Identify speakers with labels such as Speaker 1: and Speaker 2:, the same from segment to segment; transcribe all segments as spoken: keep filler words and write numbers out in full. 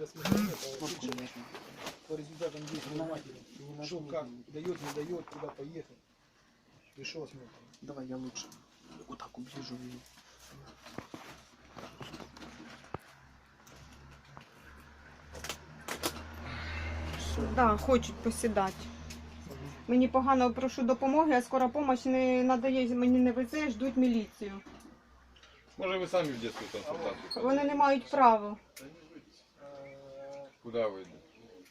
Speaker 1: рассмотрения по результатам действия матери. Что, как, дает, не дает, куда поехать. Решил осмотр.
Speaker 2: Давай я лучше вот так уближу ее.
Speaker 3: Да, хочуть посідати. Мені погано, прошу допомоги, а скора допомога не надає, мені не везе, ждуть міліцію.
Speaker 4: Може ви самі в детську консультацію?
Speaker 3: Вони не мають права.
Speaker 4: Куда ви йдете?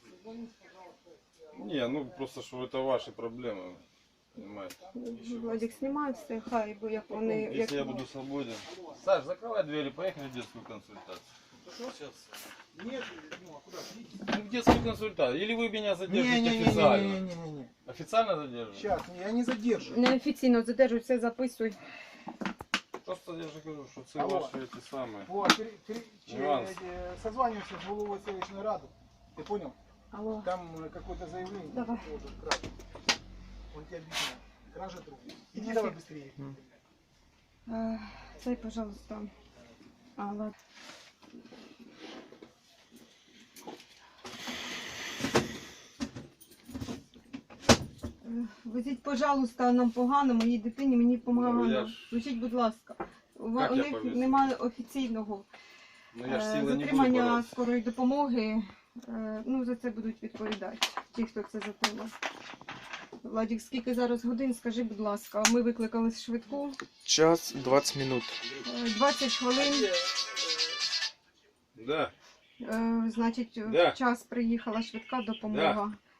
Speaker 4: Ні, ну просто що це ваші проблеми. Понимаете?
Speaker 3: Владик, знімай все, хай, бо як вони... Як...
Speaker 4: Если я буду свободен. Саш, закрывай двери, поехали в детскую консультацию.
Speaker 1: Что сейчас? Нет, ну а куда?
Speaker 4: Ну, в детскую консультацию. Или вы меня задержите
Speaker 1: Не-не-не-не-не-не-не.
Speaker 4: официально. Официально задержите?
Speaker 1: Сейчас, я не задержу.
Speaker 3: Неофіційно задержуй, все записуй.
Speaker 4: Просто я же говорю, что це
Speaker 1: Алло.
Speaker 4: ваши эти самые.
Speaker 1: Вот, пере- пере- че-
Speaker 4: Нюанс.
Speaker 1: э, созваниваемся с головой селищной рады. Ты понял?
Speaker 3: Алло.
Speaker 1: Там э, какое-то заявление.
Speaker 3: Давай.
Speaker 1: Вот, кража. Он тебе объясняет. Кража труб. Иди
Speaker 3: Нафиг.
Speaker 1: давай быстрее.
Speaker 3: Е, Цей, пожалуйста. А, ладно. Е, Везіть, пожалуйста, нам погано, моїй дитині, мені
Speaker 4: Ну, я
Speaker 3: погано.
Speaker 4: ж-
Speaker 3: Везіть, будь ласка. У
Speaker 4: Як
Speaker 3: у
Speaker 4: я
Speaker 3: них
Speaker 4: повезу?
Speaker 3: немає офіційного
Speaker 4: Ну я ж
Speaker 3: е,
Speaker 4: силой не буду
Speaker 3: затримання
Speaker 4: бороться.
Speaker 3: скорої допомоги. Е, Ну, за це будуть відповідати ті, хто це затримав. Владик, скільки зараз годин, скажи, будь ласка. Ми викликали швидку.
Speaker 2: Час двадцать минут.
Speaker 3: Е, двадцять хвилин.
Speaker 4: Да.
Speaker 3: Е, Значить,
Speaker 4: Да.
Speaker 3: в час приїхала швидка допомога.